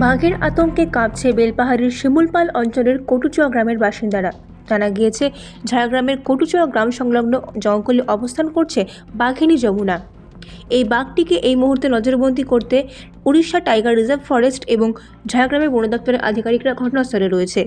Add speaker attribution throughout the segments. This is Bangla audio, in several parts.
Speaker 1: বাঘের আতঙ্কে কাঁপছে বেলপাহাড়ির শিমুলপাল অঞ্চলের কটুচুয়া গ্রামের বাসিন্দারা। জানা গিয়েছে, ঝাড়গ্রামের কটুচুয়া গ্রাম সংলগ্ন জঙ্গলে অবস্থান করছে বাঘিনী যমুনা। এই বাঘটিকে এই মুহূর্তে নজরবন্দি করতে উড়িষ্যা টাইগার রিজার্ভ ফরেস্ট এবং ঝাড়গ্রামের বন দপ্তরের আধিকারিকরা ঘটনাস্থলে রয়েছে।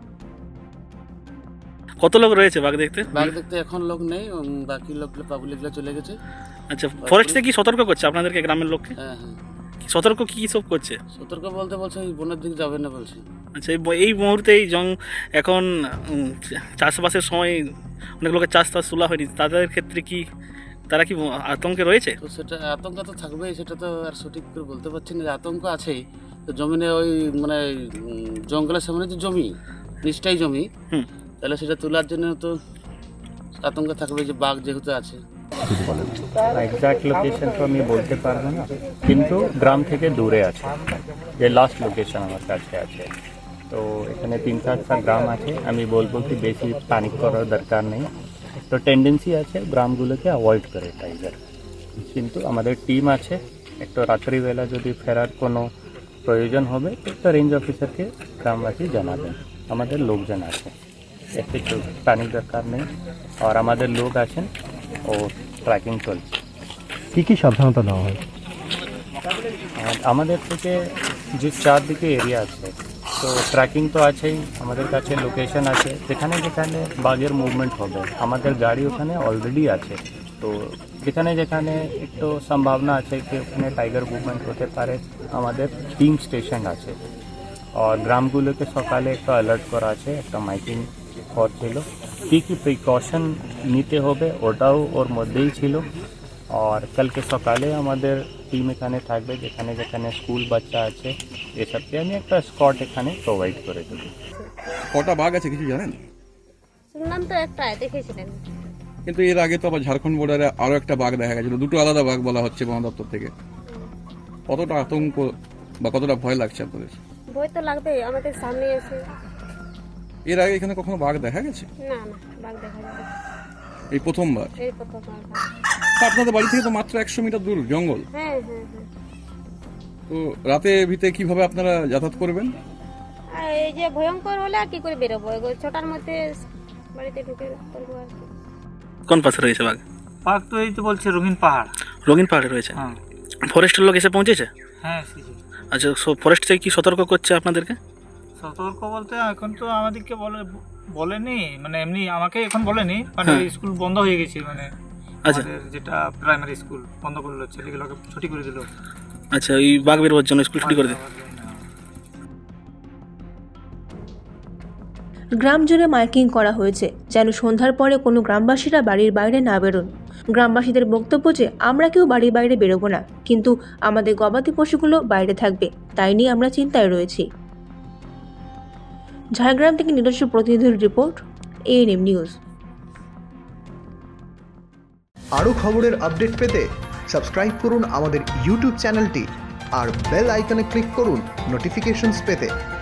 Speaker 2: কত লোক রয়েছে বাঘ দেখতে?
Speaker 3: বাঘ দেখতে এখন লোক নেই, বাকি লোকগুলো পাবলিকগুলো চলে গেছে।
Speaker 2: আচ্ছা, ফরেস্ট থেকে কি সতর্ক করছে আপনাদেরকে, গ্রামের লোককে?
Speaker 3: হ্যাঁ হ্যাঁ,
Speaker 2: সতর্ক কি সব করছে?
Speaker 3: সতর্ক বলতে বলছে এই বনের দিকে যাবেন না বলছে।
Speaker 2: আচ্ছা, এই মুহূর্তে এই এখন চাষবাসের সময় অনেক লোকের চাষ তোলা হয়নি, তাদের ক্ষেত্রে কি তারা কি আতঙ্কে রয়েছে?
Speaker 3: তো সেটা আতঙ্ক তো থাকবেই, সেটা তো আর সঠিক করে বলতে পারছি না। আতঙ্ক আছেই তো, জমিনে ওই মানে জঙ্গলের সামনে যে জমি, নিচটাই জমি, তাহলে সেটা তোলার জন্য তো আতঙ্ক থাকবে, যে বাঘ যেহেতু আছে।
Speaker 4: এক্সাক্ট লোকেশন তো আমি বলতে পারবো না, কিন্তু গ্রাম থেকে দূরে আছে, যে লাস্ট লোকেশন আমার কাছে আছে। তো এখানে 3-4টা গ্রাম আছে, আমি বলবো কি বেশি প্যানিক করার দরকার নেই। তো টেন্ডেন্সি আছে গ্রামগুলোকে অ্যাভয়েড করে টাইগার, কিন্তু আমাদের টিম আছে। একটু রাত্রিবেলা যদি ফেরার কোনো প্রয়োজন হবে তো রেঞ্জ অফিসারকে গ্রামবাসী জানাবেন, আমাদের লোকজন আছে, এতে প্যানিক দরকার নেই। আর আমাদের লোক আছেন ও ট্র্যাকিং চলছে।
Speaker 5: কী কী সাবধানতা নেওয়া হয়?
Speaker 4: আর আমাদের থেকে যে চারদিকে এরিয়া আছে, তো ট্র্যাকিং তো আছেই, আমাদের কাছে লোকেশন আছে যেখানে যেখানে বাঘের মুভমেন্ট হবে, আমাদের গাড়ি ওখানে অলরেডি আছে। তো যেখানে যেখানে একটু সম্ভাবনা আছে কি ওখানে টাইগার মুভমেন্ট হতে পারে, আমাদের টিম স্টেশন আছে। আর গ্রামগুলোকে সকালে একটা অ্যালার্ট করা আছে, একটা মাইকিং ছিল, কী কী প্রিকশন নিতে হবে ওটাও ওর মধ্যেই ছিল। আর কালকে সকালে আমাদের টিম এখানে থাকবে, যেখানে যেখানে স্কুল বাচ্চা আছে এসবকে আমি একটা স্পট এখানে প্রোভাইড করে দেবো।
Speaker 6: কটা বাঘ আছে কিছু জানেন?
Speaker 7: শুনলাম তো একটা দেখেছিলেন,
Speaker 6: কিন্তু এর আগে তো আবার ঝাড়খণ্ড বর্ডারে আরো একটা বাঘ দেখা গেছিল, দুটো আলাদা বাঘ বলা হচ্ছে বন দপ্তর থেকে। কতটা আতঙ্ক বা কতটা ভয় লাগছে আপনাদের?
Speaker 7: ভয় তো লাগবেই, আমাদের সামনে এসে।
Speaker 6: এর আগে এখানে কখনো বাঘ দেখা গেছে?
Speaker 7: না না, বাঘ দেখা যাবে
Speaker 6: এই প্রথমবার?
Speaker 7: এই প্রথমবার।
Speaker 6: তা আপনাদের বাড়ি থেকে তো মাত্র 100 মিটার দূর জঙ্গল।
Speaker 7: হ্যাঁ হ্যাঁ হ্যাঁ।
Speaker 6: তো রাতে ভিতরে কিভাবে আপনারা যাতায়াত করবেন?
Speaker 7: আর এই যে ভয়ঙ্কর হলে আর কি করে বেরোবো, ছটার মধ্যে বাড়িতে ঢুকে পড়বো আর কি।
Speaker 2: কোন পাশে রয়েছে বাঘ?
Speaker 8: বাঘ তো এই তো বলছে রঙিন পাহাড়।
Speaker 2: রঙিন পাহাড়ে রয়েছে?
Speaker 8: হ্যাঁ।
Speaker 2: ফরেস্টের লোক এসে পৌঁছেছে?
Speaker 8: হ্যাঁ এসেছে।
Speaker 2: আচ্ছা, ফরেস্ট থেকে কি সতর্ক করছে আপনাদেরকে?
Speaker 8: সতর্ক বলতে এখন তো আমাদেরকে বলেনি, মানে এমনি আমাকে এখন বলেনি, মানে স্কুল বন্ধ হয়ে গেছে, মানে
Speaker 2: আচ্ছা,
Speaker 8: যেটা প্রাইমারি স্কুল বন্ধ করলো, ছেলেগুলোকে ছুটি করে দিল।
Speaker 2: আচ্ছা, ওই বাঘ বেরোবার জন্য স্কুল ছুটি করে দিল।
Speaker 1: গ্রাম জুড়ে মাইকিং করা হয়েছে যেন সন্ধ্যার পরে কোনো গ্রামবাসীরা বাড়ির বাইরে না বেরোন। গ্রামবাসীদের বক্তব্য যে আমরা কেউ বাড়ির বাইরে বেরোবো না, কিন্তু আমাদের গবাদি পশুগুলো বাইরে থাকবে, তাই নিয়ে আমরা চিন্তায় রয়েছি। ঝাড়গ্রাম থেকে নিজস্ব প্রতিনিধির রিপোর্ট, ANM নিউজ।
Speaker 9: আরও খবরের আপডেট পেতে সাবস্ক্রাইব করুন আমাদের ইউটিউব চ্যানেলটি আর বেল আইকনে ক্লিক করুন নোটিফিকেশনস পেতে।